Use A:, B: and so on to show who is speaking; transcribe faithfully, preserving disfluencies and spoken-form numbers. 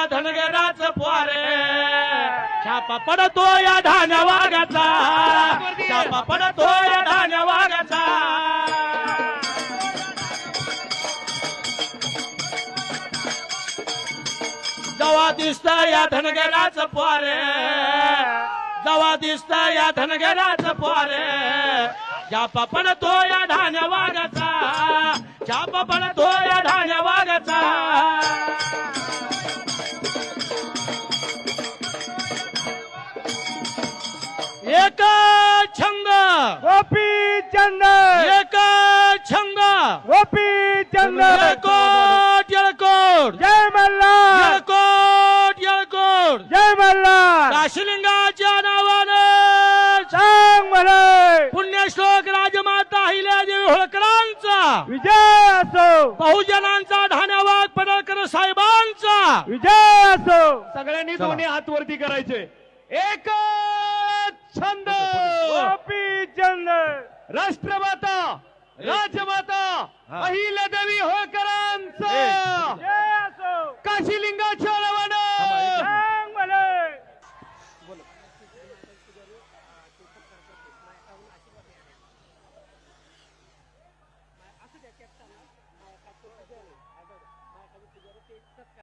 A: धनगराच पोरे छापा पडतो या धान्या वाघाचा छापा पडतो या धान्या वाघाचा जवा दिसत या धनगराच पोरे जवा दिसत या धनगराच पोरे छापा पडतो या धान्या वाघाचा छापा पडतो या धान्या वाघाचा एक छंद
B: गोपी चंद
A: एक छंद
B: गोपी चंद
A: येळकोट येळकोट
B: जय मल्हार
A: येळकोट येळकोट
B: जय मल्हार
A: काशीलिंगाच्या नावाने
B: सांग म्हणे
A: पुण्यश्लोक राजमाता अहिल्यादेवी होळकरांचा
B: विजय असो
A: बहुजनांचा धान्यवाग पडळकर साहेबांचा
B: विजय असो
C: सगळ्यांनी दोन्ही हात वरती करायचे एक छंद
B: गोपी चंद
C: राष्ट्रमाता राजमाता अहिल्यादेवी होळकरांचा
B: जय